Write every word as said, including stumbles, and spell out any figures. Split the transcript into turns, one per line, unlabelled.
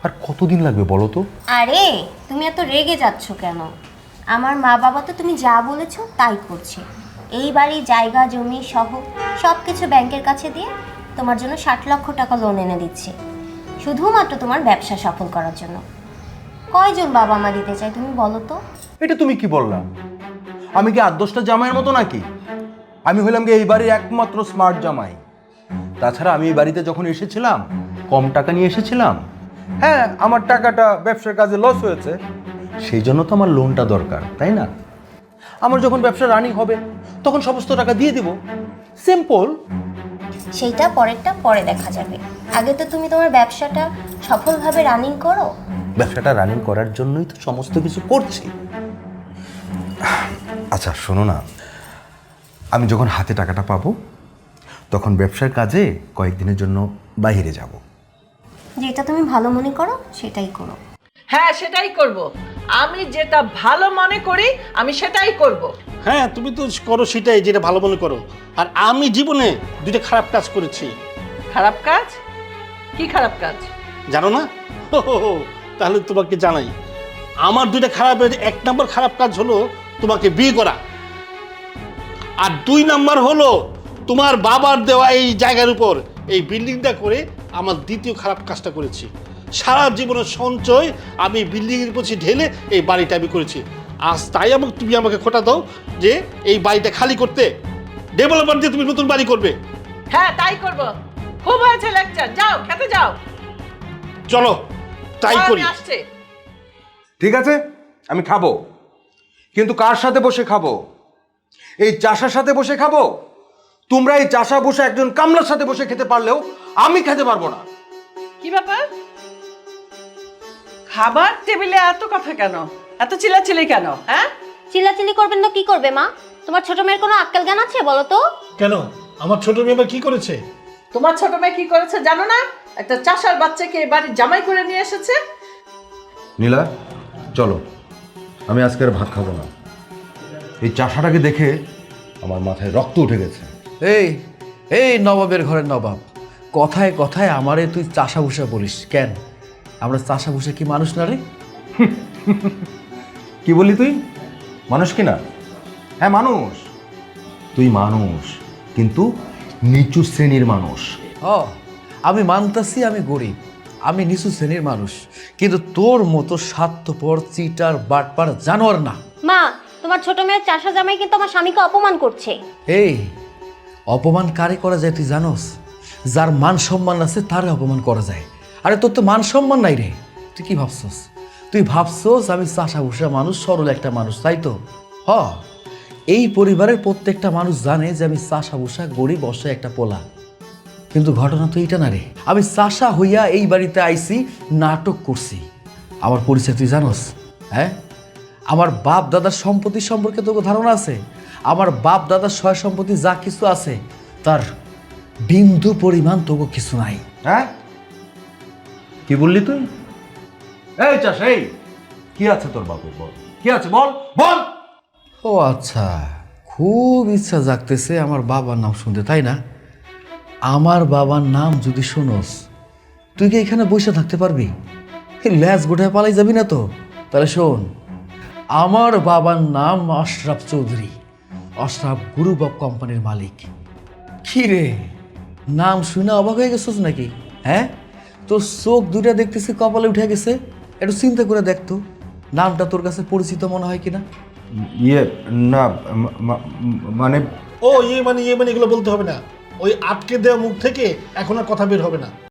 আর কতদিন লাগবে বলো তো?
আরে তুমি এত রেগে যাচ্ছ কেন? আমার মা বাবা তো তুমি যা বলেছো তাই করছে। এই বাড়ি জায়গা জমি সহ সব কিছু ব্যাংকের কাছে দিয়ে তোমার জন্য ষাট লক্ষ টাকা লোন এনে দিচ্ছে, শুধুমাত্র তোমার ব্যবসা সফল করার জন্য। কয়জন বাবা মা দিতে চায় তুমি বলো তো?
এটা তুমি কি বললা? আমি কি আট দশটা জামাইয়ের মতো নাকি? আমি হইলাম কি এই বাড়ির একমাত্র স্মার্ট জামাই। তাছাড়া আমি এই বাড়িতে যখন এসেছিলাম কম টাকা নিয়ে এসেছিলাম। হ্যাঁ, আমার টাকাটা ব্যবসার কাজে লস হয়েছে, সেই জন্য তো আমার লোনটা দরকার, তাই না? আমার যখন ব্যবসা রানিং হবে তখন সমস্ত টাকা দিয়ে দিব, সিম্পল।
সেইটা পরেরটা পরে দেখা যাবে, আগে তো তুমি তোমার ব্যবসাটা সফলভাবে রানিং করো।
ব্যবসাটা রানিং করার জন্যই তো সমস্ত কিছু করছি। আচ্ছা শোনো না, আমি যখন হাতে টাকাটা পাবো তখন ব্যবসার কাজে কয়েকদিনের জন্য বাইরে যাব।
যেটা তুমি ভালো মনে করো সেটাই করো।
হ্যাঁ সেটাই করব, আমি যেটা ভালো মনে করি আমি সেটাই করব।
হ্যাঁ তুমি তো করো সেটাই যেটা ভালো মনে করো, আর আমি জীবনে দুইটা খারাপ কাজ করেছি।
খারাপ কাজ? কি খারাপ কাজ
জানো না? হো, হো, হো, তাহলে তোমাকে জানাই। আমার দুইটা খারাপের এক নম্বর খারাপ কাজ হলো তোমাকে বিয়ে করা, আর দুই নাম্বার হলো তোমার বাবার দেওয়া এই জায়গার উপর এই বিল্ডিংটা করে আমার দ্বিতীয় খারাপ কাজটা করেছি। সারা জীবনের সঞ্চয় আমি বিল্ডিংয়ের পিছিয়ে ঢেলে এই বাড়িটা আমি করেছি। আজ তাই আমাকে তুমি আমাকে খোটা দাও যে এই বাড়িটা খালি করতে, ডেভেলপার দিয়ে তুমি নতুন বাড়ি করবে।
হ্যাঁ তাই করব। খুব হয়েছে লেকচার, যাও খেতে যাও।
চলো তাই
আমি
করি।
আসছে।
ঠিক আছে, আমি খাবো, কিন্তু কার সাথে বসে খাবো? এই চাষার সাথে বসে খাবো? তোমরা এই চাষা বসে একজন কামলার সাথে বসে খেতে পারলেও আমি খেতে পারবো না।
কি ব্যাপার? খাবার টেবিলে এত কথা কেন, এত চিল্লাচিল্লি কেন? হ্যাঁ
চিল্লাচিল্লি করবেন না কি করবে মা? তোমার ছোট মেয়ের কোনো আক্কেল জ্ঞান আছে বলো তো?
কেন আমার ছোট মেয়ে আবার কি করেছে?
তোমার ছোট মেয়ে কি করেছে জানো না? একটা চাষার বাচ্চাকে এ বাড়ির জামাই করে নিয়ে এসেছে।
নীলা চলো, আমি আজকে আর ভাত খাবো না। এই চাষাটাকে দেখে আমার মাথায় রক্ত উঠে গেছে।
এই এই নবাবের ঘরের নবাব, কথায় কথায় আমারে তুই চাষা ভুষা বলিস কেন? আমরা চাষা ভুষা কি মানুষ না রে?
কি বলি তুই? মানুষ কি না? হ্যাঁ মানুষ, তুই মানুষ, কিন্তু নিচু শ্রেণীর মানুষ।
ও আমি মানতাছি আমি গরিব, আমি নিচু শ্রেণীর মানুষ, কিন্তু তোর মতো স্বার্থপর চিটার বাটপার জানোয়ার না।
মা, তোমার ছোট মেয়ের চাষা জামাই কিন্তু আমার স্বামীকে অপমান করছে।
এই অপমান কারে করা যায় তুই জানোস? যার মান সম্মান আছে তারে অপমান করা যায়। আরে তোর তো মান সম্মান নাই রে, তুই কি ভাবছস? তুই ভাবছস আমি চাষা ভুষা মানুষ, সরল একটা মানুষ, তাই তো? হ, এই পরিবারের প্রত্যেকটা মানুষ জানে যে আমি চাষা ভুষা গরিব অসহায় একটা পোলা, কিন্তু ঘটনা তো এইটা না রে। আমি চাষা হইয়া এই বাড়িতে আইছি, নাটক করছি। আমার পরিচয় তুই জানোস? হ্যাঁ, আমার বাপ দাদার সম্পত্তি সম্পর্কে তোকে ধারণা আছে? আমার বাপ দাদার সয় সম্পত্তি যা কিছু আছে তার বিন্দু পরিমাণ তোকে কিছু নাই।
হ্যাঁ কি বললি তুই? এই চাষ, এই কি আছে তোর বাপের? বল কি আছে, বল বল।
ও আচ্ছা, খুব ইচ্ছা জাগতেছে আমার বাবার নাম শুনতে, তাই না? আমার বাবার নাম যদি শোনস তুই কি এখানে বসে থাকতে পারবি? এই ল্যাজ গোটায় পালাই যাবি না তো? তাহলে শোন, আমার বাবার নাম আশরাফ চৌধুরী, আশরাফ গ্রুপ অফ কোম্পানির মালিক। কি রে, নাম শুনে অবাক হয়ে গেছিস নাকি? হ্যাঁ, তোর চোখ দুটা দেখতেছি কপালে উঠে গেছে। একটু চিন্তা করে দেখতো নামটা তোর কাছে পরিচিত মনে হয় কিনা।
ইয়ে না, মা- মা- মানে
ও ইয়ে মানে ইয়ে মানে এগুলো বলতে হবে না, ওই আটকে দেওয়া মুখ থেকে এখন আর কথা বের হবে না।